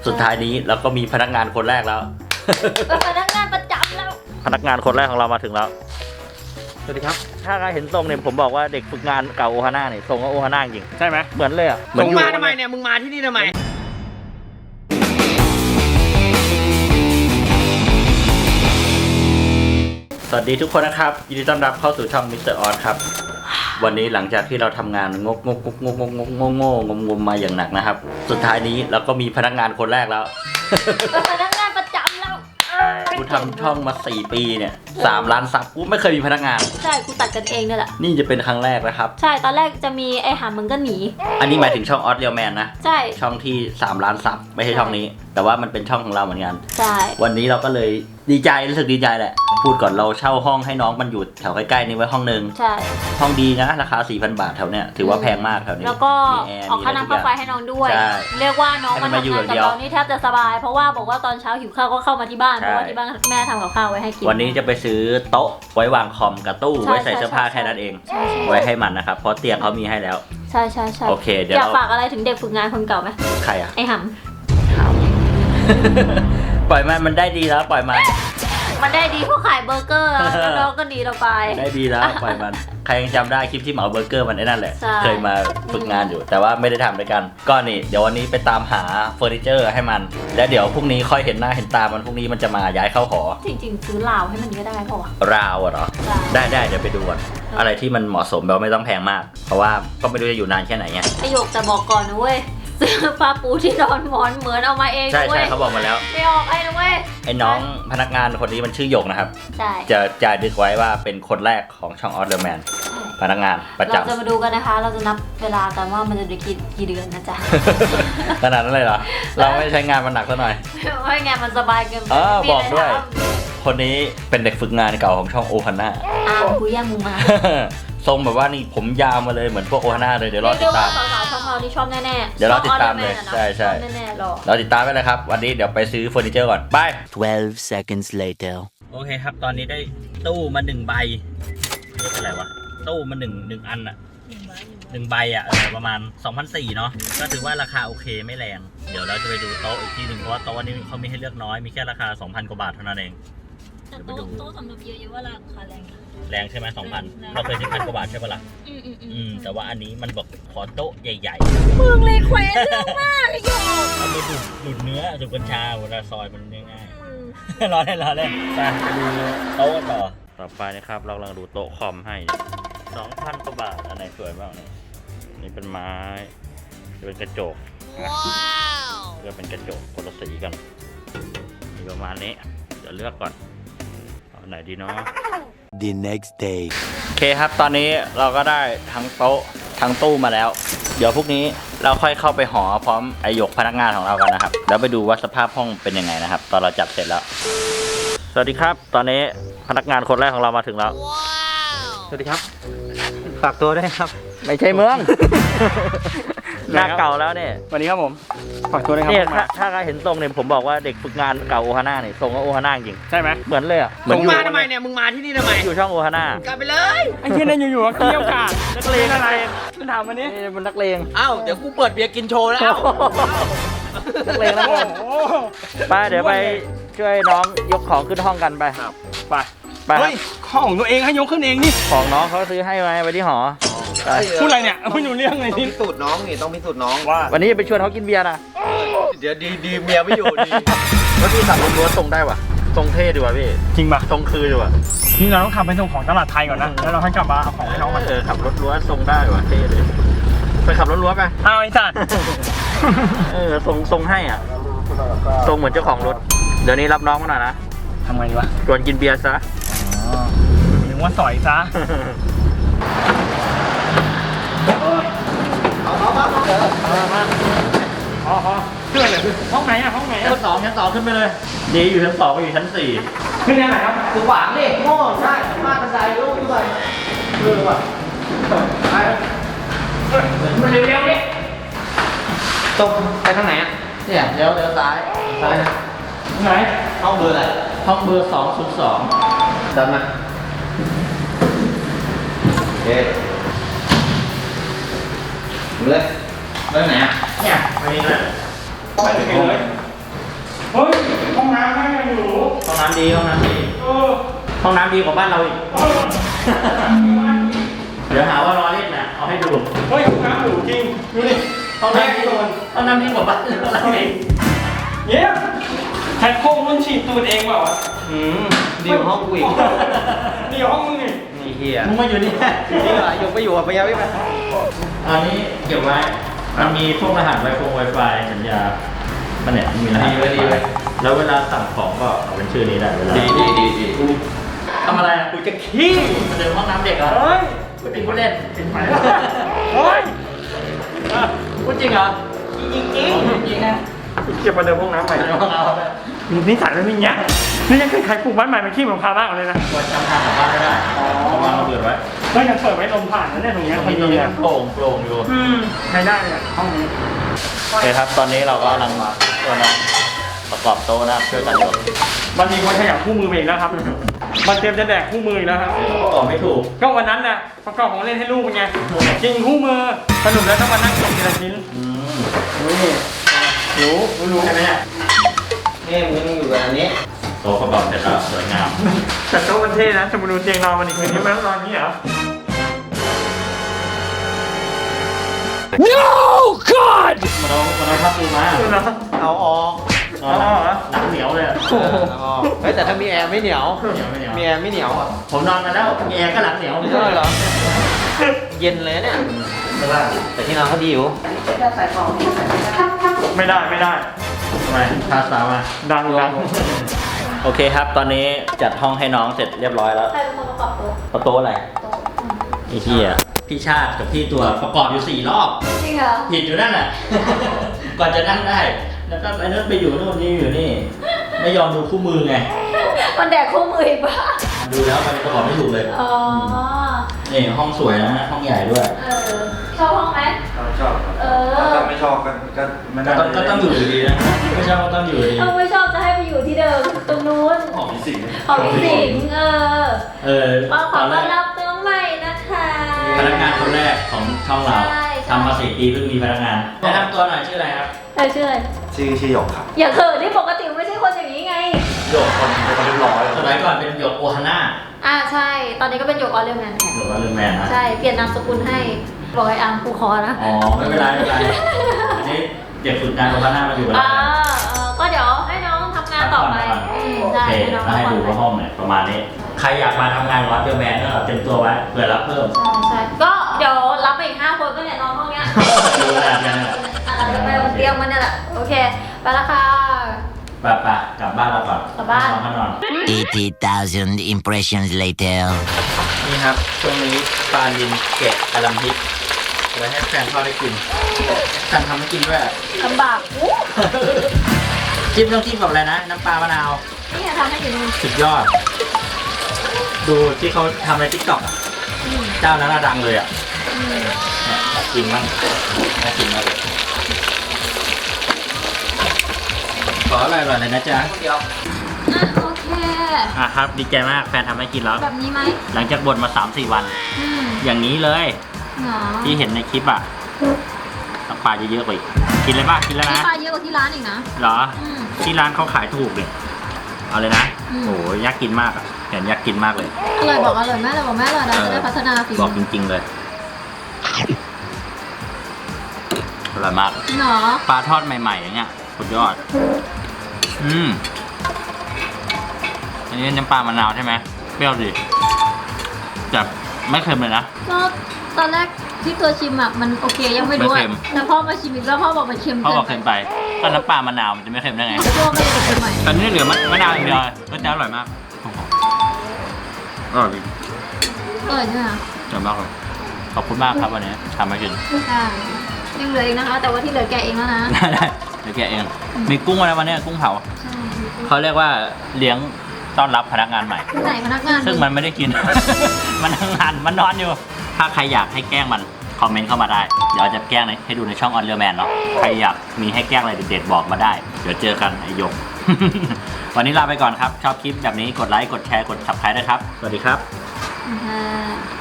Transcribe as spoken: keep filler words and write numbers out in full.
สุดท้ายนี้เราก็มีพนักงานคนแรกแล้วพนักงานประจำแล้วพนักงานคนแรกของเรามาถึงแล้วสวัสดีครับถ้าใครเห็นทรงเนี่ยผมบอกว่าเด็กฝึกงานเก่าโอฮาน่าเนี่ยทรงก็โอฮาน่าจริงใช่ไหมเหมือนเลยอ่ะมึงมาทำไมเนี่ยมึงมาที่นี่ทำไมสวัสดีทุกคนนะครับยินดีต้อนรับเข้าสู่ช่องมิสเตอร์ออสครับวันนี้หลังจากที่เราทำงานงกงกงกงกงกงงงงมมาอย่างหนักนะครับสุดท้ายนี้เราก็มีพนักงานคนแรกแล้วพนักงานประจำแล้วกูทำช่องมาสี่ปีเนี่ยสามล้านซับกูไม่เคยมีพนักงานใช่กูตัดกันเองนี่แหละนี่จะเป็นครั้งแรกนะครับใช่ตอนแรกจะมีไอ้หามึงก็หนีอันนี้หมายถึงช่องออสเรียลแมนนะใช่ช่องที่สามล้านซับไม่ใช่ช่องนี้แต่ว่ามันเป็นช่องของเราเหมือนกันใช่วันนี้เราก็เลยดีใจรู้สึกดีใจแหละพูดก่อนเราเช่าห้องให้น้องมันอยู่แถวใกล้ๆนี้ไว้ห้องนึงใช่ห้องดีนะราคา สี่พัน บาทแถวเนี้ยถือว่าแพงมากแถวนี้แล้วก็ออกค่าน้ำค่าไฟให้น้องด้วยเรียกว่าน้องมันทำงานกับเรานี่แทบจะสบายเพราะว่าบอกว่าตอนเช้าหิวข้าวก็เข้ามาที่บ้านเพราะว่าที่บ้านแม่ทำกับข้าวไว้ให้กินวันนี้จะไปซื้อโต๊ะไว้วางคอมกับตู้ไว้ใส่เสื้อผ้าแค่นั้นเองไว้ให้มันนะครับเพราะเตียงเขามีให้แล้วใช่ใช่ใช่โอเคเดี๋ยวอยากฝากอะไรถึงเด็กฝึกงานคนเก่าไหมใครอะไอ้หำปล่อยมันมันได้ดีแล้วปล่อยมันมันได้ดีเพราะขายเบอร์เกอร์แล้วน้องก็ดีเราไปได้ดีแล้วปล่อยมันใครยังจำได้คลิปที่เหมาเบอร์เกอร์มันไอ้นั่นแหละเคยมาฝึกงานอยู่แต่ว่าไม่ได้ทำด้วยกันก็นี่เดี๋ยววันนี้ไปตามหาเฟอร์นิเจอร์ให้มันแล้วเดี๋ยวพรุ่งนี้ค่อยเห็นหน้าเห็นตามันพรุ่งนี้มันจะมาย้ายเข้าหอจริงๆซื้อราวให้มันก็ได้เพราะว่าราวเหรอได้ได้เดี๋ยวไปดูก่อนอะไรที่มันเหมาะสมแบบไม่ต้องแพงมากเพราะว่าก็ไม่รู้จะอยู่นานแค่ไหนไงประโยคจะบอกก่อนนะเว้ยซื้อผ้าปูที่นอนหมอนเหมือนเอามาเองใช่ใช่เขาบอกมาแล้วไม่ออกไอ้นะเว้ยไอ้น้องพนักงานคนนี้มันชื่อหยกนะครับใช่จะจะดึกไว้ว่าเป็นคนแรกของช่องออสเดอร์แมนพนักงานประจำเราจะมาดูกันนะคะเราจะนับเวลากันว่ามันจะได้กี่กี่เดือนนะจ๊ะขนาดนั้นเลยเหรอเราไม่ใช้งานมันหนักซะหน่อยไม่งานมันสบายเกินเออบอกด้วยคนนี้เป็นเด็กฝึกงานเก่าของช่องโอฮาน่าอ้าวกูย่างมึงมาทรงแบบว่านี่ผมยาวมาเลยเหมือนพวกโอฮาน่าเลยเดี๋ยวรอติดตามสาวๆช่องเราที่ชอบแน่ๆเดี๋ยวรอติดตามเลยใช่ใช่แน่ๆรอเราติดตามไปเลยครับวันนี้เดี๋ยวไปซื้อเฟอร์นิเจอร์ก่อนไป twelve seconds later โอเคครับตอนนี้ได้ตู้มาหนึ่งใบเรียกอะไรวะตู้มาหนึ่งหนึ่งอันอะหนึ่งใบอะเออประมาณ สองพันสี่ร้อย เนาะก็ถือว่าราคาโอเคไม่แรงเดี๋ยวเราจะไปดูโต๊ะอีกทีหนึ่งเพราะว่าโต๊ะนี้เขามีให้เลือกน้อยมีแค่ราคา สองพัน กว่าบาทเท่านั้นเองแต่โต๊ะโต๊ะสำหรับเยอะๆว่าราคาแรงแรงใช่ไหมสองพันเราเคยที่พันกว่าบาทใช่ปะล่ะอืมอืมอืมแต่ว่าอันนี้มันบอกขอโต๊ะใหญ่ๆมึงเลยแขวนเรื่องมากเลยโยกเอาไปดูดดูดเนื้อดูกัญชาเวลาซอยมันง่ายๆรอได้รอได้ไปดูโต๊ะต่อต่อไปนะครับเรากำลังดูโต๊ะคอมให้ สองพัน กว่าบาทอันไหนสวยบ้างเนี่ยนี่เป็นไม้จะเป็นกระจกว้าวจะเป็นกระจกคนละสีกันมีประมาณนี้เดี๋ยวเลือกก่อนเอาไหนดีเนาะ the next day โอเคครับตอนนี้เราก็ได้ทั้งโต๊ะทั้งตู้มาแล้วเดี๋ยวพรุ่งนี้เราค่อยเข้าไปหอพร้อมไอหยกพนักงานของเรากันนะครับแล้วไปดูว่าสภาพห้องเป็นยังไงนะครับตอนเราจัดเสร็จแล้วสวัสดีครับตอนนี้พนักงานคนแรกของเรามาถึงแล้วสวัสดีครับฝากตัวด้วยครับไม่ใช่เมืองหน้าเก่าแล้วเนี่ยวันนี้ครับผมฝากตัวด้วยครับเนี่ยถ้าถ้าใครเห็นทรงเนี่ยผมบอกว่าเด็กฝึกงานเก่าโอฮาน่าเนี่ยทรงก็โอฮาน่าจริงใช่ไหมเหมือนเลยอ่ะมึงมาทำไมเนี่ยมึงมาที่นี่ทำไมอยู่ช่องโอฮาน่ากลับไปเลยไอ้เช่นนั้นอยู่ๆก็เกี่ยวกาดนักเลงอะไรมันถามมันนี่มันนักเลงอ้าวเดี๋ยวกูเปิดเบียร์กินโชว์แล้วนักเลงแล้วไปเดี๋ยวไปช่วยน้องยกของขึ้นห้องกันไปไปไปของตัวเองให้ยกขึ้นเองนี่ของน้องเขาซื้อให้ไว้ไปที่หอพูดอะไรเนี่ยไม่รู้เรื่องเลยนี่พิสูจน์น้องนี่ต้องพิสูจน์น้องว่าวันนี้จะไปชวนเขากินเบียร์นะเดี๋ยวดีดีเมียไม่อยู่ดีว่าพี่ขับรถล้วนทรงได้ว่ะทรงเท่ดีว่ะพี่จริงป่ะทรงคือดีว่ะนี่เราต้องขับไปส่งของตลาดไทยก่อนนะแล้วเราค่อยกลับมาเอาของให้น้องมาเออขับรถล้วนทรงได้ว่ะเท่เลยไปขับรถล้วนไปเอาไอ้สัตว์เออทรงทรงให้อ่ะทรงเหมือนเจ้าของรถเดี๋ยวนี้รับน้องมาหน่อยนะทำไงดีวะชวนกินเบียร์ซะอ๋อหรือว่าสอยซะเอาเอามาเอาเถอะเอามาอ๋ออ๋อเชื่อเลยห้องไหนอะห้องไหนชั้นสองชั้นสองขึ้นไปเลยดีอยู่ชั้นสองไปอยู่ชั้นสี่ขึ้นยังไงครับคือขวางนี่โง่ใช่มาบันไดลูกขึ้นไปเออว่ะไปมันเร็วๆนี่ตรงไปทางไหนอ่ะเนี่ยเลี้ยวเลี้ยวซ้ายซ้ายนะไหนห้องเบอร์อะไรห้องเบอร์สองศูนย์สองเดินมาโอเคเลยเรื่องไหนอ่ะเนี่ยไปนี่เลยไปที่ไหนเลยเฮ้ยห้องน้ำแม่งยังอยู่ห้องน้ำดีห้องน้ำดีเออห้องน้ำดีกว่าบ้านเราอีกเออเดี๋ยวหาว่ารอเล่นนะเอาให้ดูเฮ้ยห้องน้ำอยู่จริงดูดิห้องน้ำดีกว่าห้องน้ำดีกว่าบ้านเราเองเย้แท็กโค้งมันฉีดตูดเองเปล่าวะอืมดีกว่าห้องกูอีกเดี๋ยวห้องมึงนี่นี่เฮียมึงมาอยู่นี่นี่เหรออยู่ไปอยู่อ่ะไปยังไม่ไปอันนี้เก็บไว้ มันมีพวกรหัสไวโฟงไวไฟสัญญามันเนี่ยมีรหัสดีไว้ดีไว้แล้วเวลาสั่งของก็เอาเป็นชื่อนี้ได้เวลาดีดีดีดีทำอะไรอ่ะกูจะขี้มาเดินห้องน้ำเด็กเหรอเฮ้ยพูดจริงพูดเล่นเป็นไหมเฮ้ยพูดจริงเหรอจริงจริงจริงนะเก็บมาเดินห้องน้ำใหม่เดินห้องน้ำมีนิสัยไม่มีเงี้ยนี่ยังเคยใครปลูกบ้านใหม่เป็นขี้เหมือนพามากเลยนะควรจำทางกลับบ้านไม่ได้เอาวางระเบิดไว้เฮ้ยยังเปิดไว้ลมผ่านนะเนี่ยตรงเนี้ยตรงคนนี้ตรงดีนี้อ่ะโปร่งโปร่งอยู่อืมใช้ได้เลยห้องนี้โอเคครับ ตอนนี้เราก็กำลังมาตัวน้องประกอบโต๊ะนะครับช่วยกันอยู่มันมีคนขยับคู่มือมาอีกแล้วครับ มันเตรียมจะแดกคู่มืออีกแล้วครับประกอบไม่ถูกก็วันนั้นน่ะประกอบของเล่นให้ลูกเป็นไงจริงคู่มือสรุปแล้วต้องมานั่งเก็บทีละชิ้นอืมนี่รู้รู้รู้ใช่ไหมเนี่ยนี่มึงอยู่กับอันนี้โต๊ะประกอบเสร็จแล้วสวยงามแต่โต๊ะมันเท่นะจะมาดูเตียงนอนมันอีกคืนนี้มันต้องนอนนี้เหรอ No God มันเอามันเอาผ้าปูมาดูนะเอาออกนอนหลังหลังเหนียวเลยอะเออเอาออกเฮ้ยแต่ถ้ามีแอร์ไม่เหนียวเหนียวไม่เหนียวมีแอร์ไม่เหนียวอ่ะผมนอนมาแล้วมีแอร์ก็หลังเหนียวไม่ใช่เหรอ เย็นเลยเนี่ยไม่ได้แต่ที่นอนเขาดีอยู่ไม่ได้ไม่ได้ทำไมพาสาวมาดังดังโอเคครับ ตอนนี้จัดห้องให้น้องเสร็จเรียบร้อยแล้วใครเป็นคนประกอบโต๊ะประตูอะไรโต๊ะอืมไอ้ที่อ่ะพี่ชาติกับพี่ตัวประกอบอยู่สี่รอบจริงเหรอผิดอยู่นั่นแหละ ก่อนจะนั่งได้ แล้วก็ไอ้นั่นไปอยู่นู่นนี่อยู่นี่ ไม่ยอมดูคู่มือไงมันแดกคู่มืออีกปะดูแล้วมันประกอบไม่ถูกเลยอ๋อนี่ห้องสวยนะห้องใหญ่ด้วยเออชอบห้องไหมชอบครับเออถ้าไม่ชอบก็ก็ไม่ได้ก็ก็ต้องอยู่ดีนะ ไม่ใช่ว่าต้องอยู่ดีเอาไม่ชอบจะให้ไปอยู่ที่เดิมตรงนู้นหอมมีสิ่งของพี่สิงห์เออเออก็ขตออนแรต้อนกรับน้องใหม่นะคะพนักงานคนแรกของช่องเราใช่ใช่ทำมาสี่ปีเพิ่งมีพนักงานแนะนำตัวหน่อยชื่ออะไรครับเออชื่ออะไรชื่อชื่อหยกครับอย่าเขินที่ปกติไม่ใช่คนอย่างนี้ไงโยกคนเป็นคนเรียบร้อยสมัยก่อนเป็นโยกโอฮาน่าอ่าใช่ ตอนนี้ก็เป็นโยกออเรลแมนแทนโยกว่าลืมแมนนะใช่ เปลี่ยนนามสกุลให้บอกไอ้อาร์มครูคอนะอ๋อไม่เป็นไรไม่เป็นไรอันนี้เด็กฝึกงานโอฮาน่ามาอยู่กับเราอ่าเออก็เดี๋ยวให้น้องทำงานต่อไปอืมโอใช่เคให้น้องแล้วให้ดูว่าห้องเนี่ยประมาณนี้ ใครอยากมาทำงานวัดเดอร์แมนก็เตรียมตัวไว้เผื่อรับเพิ่มใช่ใช่ก็เดี๋ยวรับไปอีกห้าคนก็เนี่ยน้องห้องเนี้ยดูแลกันนะอ่าเดี๋ยวไปบนเตียงมันเนี่ยแหละ โอเค ไปละค่ะไปไปกลับบ้านเราก่อนกลับบ้านนอนก็นอน eighty thousand impressions later. นี่ครับช่วงนี้ปลาลินเกะกะหล่ำพริกไว้ให้แฟนพ่อได้กินสั่งทำให้กินด้วยลำบากอู้จิ้มต้องจิ้มกับอะไรนะ น้ำปลามะนาวนี่ทำให้อยู่นู่นสุดยอด ดูที่เขาทำในทิกตอกเจ้านั้นน่ะดังเลยอ่ะอืมเนี่ยอยากกินมั้งน่ากินมากเลยขออร่อยๆเลยนะจ๊ะเดียวอ่ะโอเคอ่ะครับ ดีใจมากแฟนทำให้กินแล้วแบบนี้ไหมหลังจากบ่นมา สามสี่ วันอืมอย่างนี้เลยเหรอที่เห็นในคลิปอ่ะน้ำปลาเยอะๆกว่าอีกกินเลยป่ะกินแล้วนี่นะปลาเยอะกว่าที่ร้านอีกนะเหรออืมที่ร้านเขาขายถูกเลยเอาเลยนะอืมโอ้ยอยากกินมากอ่ะเห็นอยากกินมากเลยอร่อยบอกอร่อยแม่เลยบอกแม่อร่อยนะจะได้พัฒนาฝีบมือกจริงๆเลยอร่อยมากเนาะปลาทอดใหม่ๆอย่างเงี้ยสุดยอด อืมอันนี้น้ำปลามะนาวใช่ไหมเปรี้ยวดีแต่ไม่เค็มเลยนะก็ตอนแรกที่ตัวชิมอ่ะมันโอเคยังไม่รู้ไม่อ่ะเค็มแล้วพ่อมาชิมอีกแล้วพ่อบอกมันเค็มเขาเกิบอกนเค็มไปก็น้ำปลามะนาวมันจะไม่เค็มได้ไงตัวก็เลยเค็มใหม่ตอนนี้เหลือมะมะนาวอย่างเดียวรสชาติอร่อยมากอร่อยจริงเออใช่ไหมอร่อยมากเลยขอบคุณมากครับวันนี้ทำมากินใช่ยังเหลืออีกนะคะ แต่ว่าที่เหลือแกะเองแล้วนะได้ได้เดี๋ยวแกะเอง มีกุ้งอะไรวันนี้กุ้งเผาใช่เขาเรียกว่าเลี้ยงต้อนรับพนักงานใหม่ไหนพนักงานซึ่งมันไม่ได้กิน มันทำงานมันนอนอยู่ ถ้าใครอยากให้แกล้งมันคอมเมนต์เข้ามาได้ เดี๋ยวจะแกล้งให้ดูในช่องออนเ e อร์แมนเนาะ ใครอยากมีให้แกล้งอะไรเด็ดๆบอกมาได้ เดี๋ยวเจอกันไอหยก วันนี้ลาไปก่อนครับ ชอบคลิปแบบนี้กดไลค์ กดแชร์ กด ซับสไครบ์ด้วยครับ สวัสดีครับอ่า